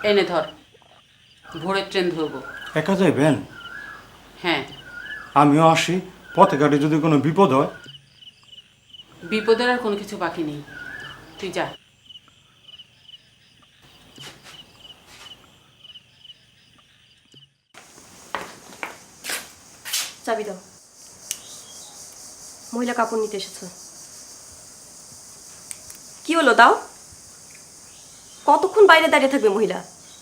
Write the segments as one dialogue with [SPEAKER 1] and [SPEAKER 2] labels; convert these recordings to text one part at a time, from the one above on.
[SPEAKER 1] এনে ধর, ভোরের ট্রেন ধরবো।
[SPEAKER 2] একা যাইবেন?
[SPEAKER 1] হ্যাঁ।
[SPEAKER 2] আমিও আসি, পথে ঘাটে যদি কোনো বিপদ হয়।
[SPEAKER 1] বিপদের আর কোনো কিছু বাকি নেই, তুই যা।
[SPEAKER 3] চাবি দাও। মহিলা কাপড় নিতে এসেছে। কি হলো, দাও। কতক্ষণ বাইরে দাঁড়িয়ে থাকবে মহিলা?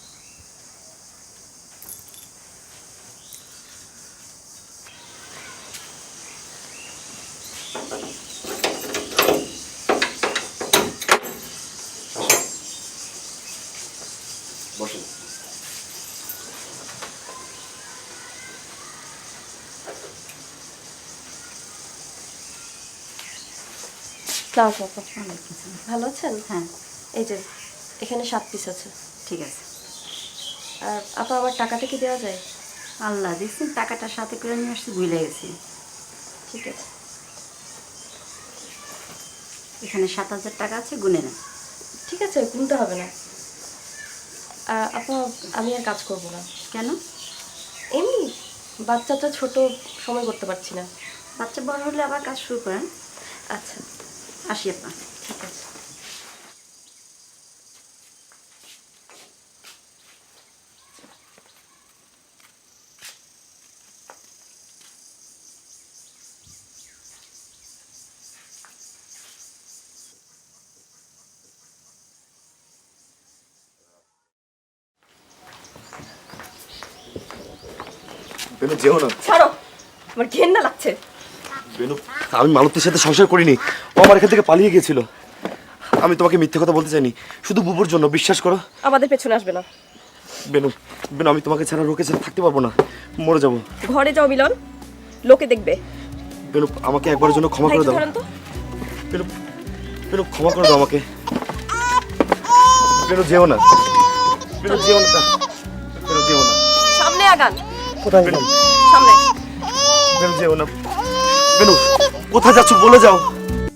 [SPEAKER 4] বসেন।
[SPEAKER 3] ভালো আছেন?
[SPEAKER 5] হ্যাঁ,
[SPEAKER 3] এই যে এখানে 7 পিস আছে।
[SPEAKER 5] ঠিক আছে।
[SPEAKER 3] আর আপা, আমার টাকাটা কি দেওয়া যায়?
[SPEAKER 5] আল্লাহ দিচ্ছেন, টাকাটা সাথে করে নিয়ে আসছি, ভুলে গেছি।
[SPEAKER 3] ঠিক আছে।
[SPEAKER 5] এখানে 7,000 টাকা আছে, গুনে নেন।
[SPEAKER 3] ঠিক আছে, গুনতে হবে না। আপা, আমি আর কাজ করব না।
[SPEAKER 5] কেন?
[SPEAKER 3] এমনি, বাচ্চাটা ছোট, সময় করতে পারছি না।
[SPEAKER 5] বাচ্চা বড় হলে আবার কাজ শুরু করেন।
[SPEAKER 3] আচ্ছা,
[SPEAKER 5] আসি আপনার।
[SPEAKER 3] ঠিক আছে।
[SPEAKER 4] বেনু, যেও না।
[SPEAKER 3] ছাড়ো, আমার ঘেন্না লাগছে।
[SPEAKER 4] বেনু, আমি মালতীর সাথে সংসার করিনি, ও আমার এখান থেকে পালিয়ে গিয়েছিল। আমি তোমাকে মিথ্যে কথা বলতে চাইনি, শুধু বুবুর জন্য, বিশ্বাস করো।
[SPEAKER 3] আমাদের পেছনে আসবে না।
[SPEAKER 4] বেনু, বেনু, আমি তোমাকে ছাড়া রোকে ছাড়া থাকতে পারবো না, মরে যাবো।
[SPEAKER 3] ঘরে যাও মিলন, লোকে দেখবে।
[SPEAKER 4] বেনু, আমাকে একবারের জন্য ক্ষমা করে দাও।
[SPEAKER 3] তো
[SPEAKER 4] বেনু, বেনু, ক্ষমা করে দাও আমাকে। বেনু, যেও না। বেনু, যেও না। বেনু, যেও না।
[SPEAKER 3] সামনে আগান।
[SPEAKER 4] কোথায় বেনু?
[SPEAKER 3] সামনে।
[SPEAKER 4] বেনু, যেও না। বেনু, কোথায় যাচ্ছ বলে যাও।